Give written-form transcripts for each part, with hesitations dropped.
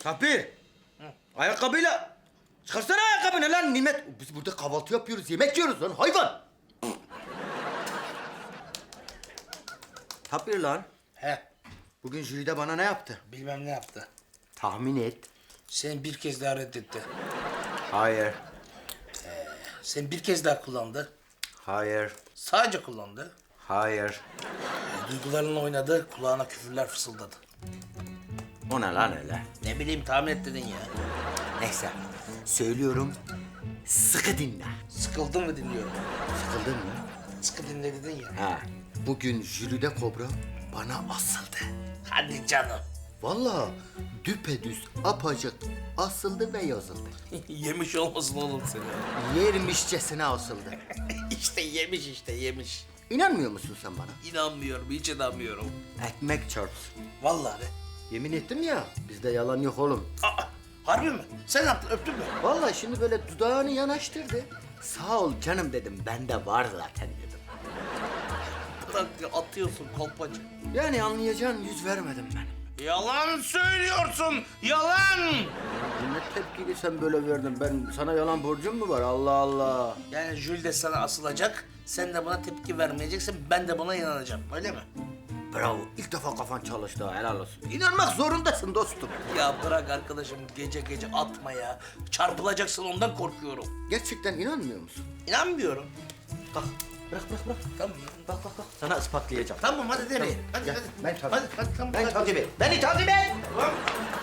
Tabii. Ayakkabıyla. Çıkarsana ayakkabını lan Nimet. Biz burada kahvaltı yapıyoruz, yemek yiyoruz lan hayvan. Tabii lan. He, Bugün jüride bana ne yaptı? bilmem ne yaptı. Tahmin et. Seni bir kez daha reddetti. Hayır. Seni bir kez daha kullandı. Hayır. Sadece kullandı. Hayır. Duygularınla oynadı, kulağına küfürler fısıldadı. O ne lan öyle? Ne bileyim, tahmin et dedin ya. Neyse. Söylüyorum. Sıkı dinle. Sıkıldın mı dinliyorum. Sıkıldın mı? Sıkı dinle dedin ya. Ha. Bugün jüride kobra bana asıldı. Hadi canım. Vallahi düpedüz apacık asıldı ve yazıldı. Yemiş olmasın oğlum seni. Yermişçesine asıldı. İşte yemiş işte, yemiş. İnanmıyor musun sen bana? İnanmıyorum, hiç inanmıyorum. Ekmek çarpsın. Vallahi be. Yemin ettim ya, bizde yalan yok oğlum. Aa, harbi mi? Sen yaptın, öptün mü? Vallahi şimdi böyle dudağını yanaştırdı. Sağ ol canım dedim, bende var zaten dedim. Bırak ya, atıyorsun kolpacı. Yani anlayacağın yüz vermedim ben. Yalan söylüyorsun, yalan! Ne tepkili sen böyle verdin, ben sana yalan borcum mu var Allah Allah. Yani Jül de sana asılacak, sen de buna tepki vermeyeceksin, ben de buna inanacağım, öyle mi? Bravo, ilk defa kafan çalıştı ha, helal olsun. İnanmak zorundasın dostum. Ya bırak arkadaşım, gece gece atma ya. Çarpılacaksın, ondan korkuyorum. Gerçekten inanmıyor musun? İnanmıyorum. Kalk, bırak. Tamam. Kalk. Sana ispatlayacağım. Tamam, hadi demeyin. Hadi, Gel, hadi. ben takip. Hadi, tamam. Ben hadi. takip et. Beni takip et. Tamam.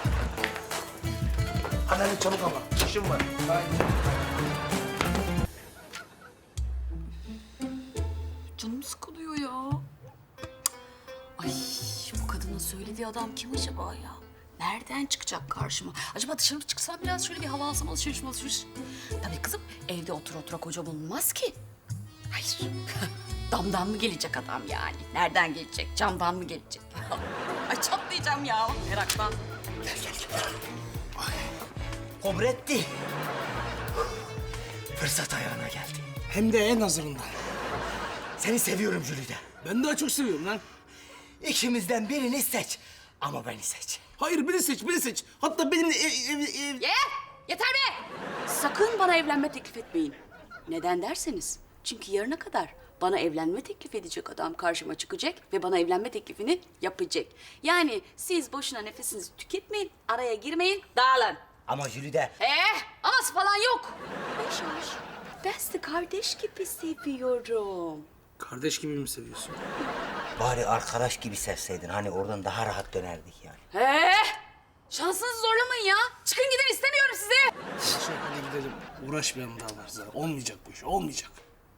Hadi çabuk ama, işim var. Canım sıkılıyor ya. Ay bu kadının söylediği adam kim acaba ya? Nereden çıkacak karşıma? Acaba dışarı çıksam biraz şöyle bir hava alsam, alışveriş. Tabii kızım, evde otura koca bulunmaz ki. Hayır. Damdan mı gelecek adam yani? Nereden gelecek? Camdan mı gelecek? Ay çatlayacağım ya meraktan. Gel. Kobretti. Fırsat ayağına geldi. Hem de en hazırından. Seni seviyorum Jülide. Ben daha çok seviyorum lan. İkimizden birini seç. Ama beni seç. Hayır, biri seç. Hatta benimle Yeter be! Sakın bana evlenme teklif etmeyin. Neden derseniz, çünkü yarına kadar bana evlenme teklif edecek adam karşıma çıkacak ve bana evlenme teklifini yapacak. Yani siz boşuna nefesinizi tüketmeyin, araya girmeyin, dağılın. Ama Jülide. Aması falan yok. Yaşar, ben sizi kardeş gibi seviyorum. Kardeş gibi mi seviyorsun? Bari arkadaş gibi sevseydin. Hani oradan daha rahat dönerdik yani. Şansınızı zorlamayın ya. Çıkın gidin, istemiyorum sizi. Hadi gidelim. Uğraşmayalım daha fazla. Olmayacak bu iş, olmayacak.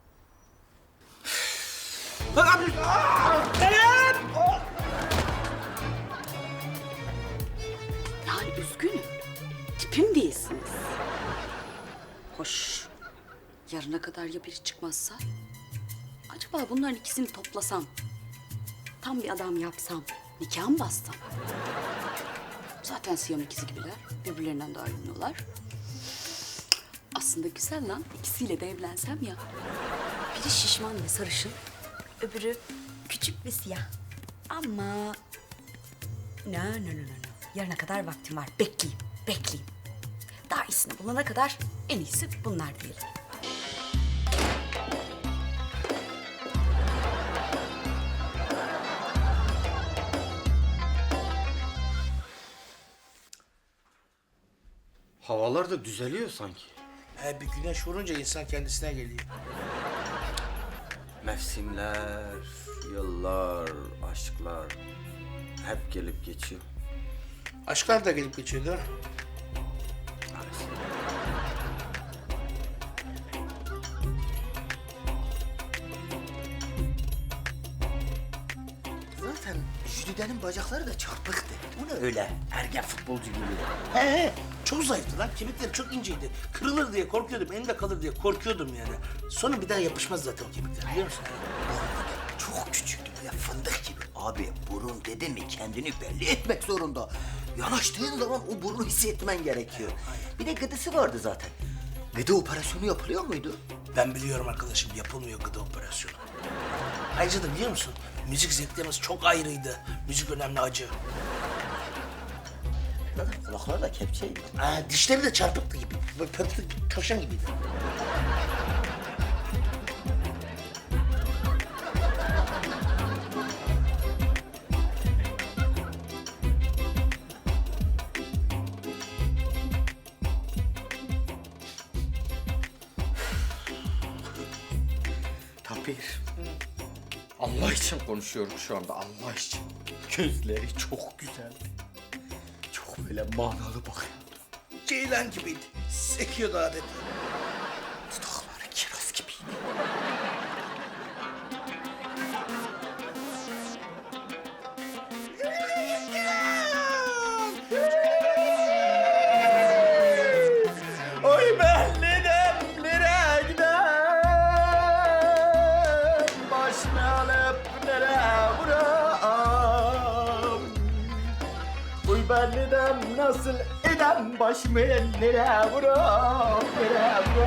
Yani üzgünüm. Tipim değilsiniz. Hoş. Yarına kadar ya biri çıkmazsa? Acaba bunların ikisini toplasam, tam bir adam yapsam, nikah mı bassam? Zaten Siyam ikizi gibiler, birbirlerinden de ayrılmıyorlar. Aslında güzel lan, ikisiyle de evlensem ya. Biri şişman ve sarışın, öbürü küçük ve siyah. Ama... No. Yarına kadar vaktim var, bekleyeyim. Daha iyisini bulana kadar en iyisi bunlar diyelim. Havalar da düzeliyor sanki. Bir güneş vurunca insan kendisine geliyor. Mevsimler, yıllar, aşklar hep gelip geçiyor. Aşklar da gelip geçiyor değil mi? Zaten Jülide'nin bacakları da çarpıktı. O ne öyle ergen futbolcu gibi. He, çok zayıftı lan. Kemikleri çok inceydi. Kırılır diye korkuyordum, elimde kalır diye korkuyordum yani. Sonra bir daha yapışmaz zaten o kemikler, biliyor musun? Çok küçüktü böyle fındık gibi. Abi burun dedi mi kendini belli etmek zorunda. Yanaştığın zaman o burnu hissetmen gerekiyor. Bir de gıdısı vardı zaten. Gıdı operasyonu yapılıyor muydu? Ben biliyorum arkadaşım, yapılmıyor gıda operasyonu. Ayrıca da biliyor musun, müzik zevklerimiz çok ayrıydı. Müzik önemli, acı. da kulakları da kepçeydi. Dişleri de çarpıktı gibi. Böyle pöptü tavşan gibiydi. Tapir. Allah için konuşuyorum şu anda, Allah için. Gözleri çok güzeldi. Çok böyle manalı bakıyordu. Ceylan gibiydi. Sekiyordu adeta. Dudakları kiraz gibiydi. Oy belliden nereye gider? Başını alıp nereye vuram? Oy belliden nasıl eden başımı ellere vuram, nereye vuram?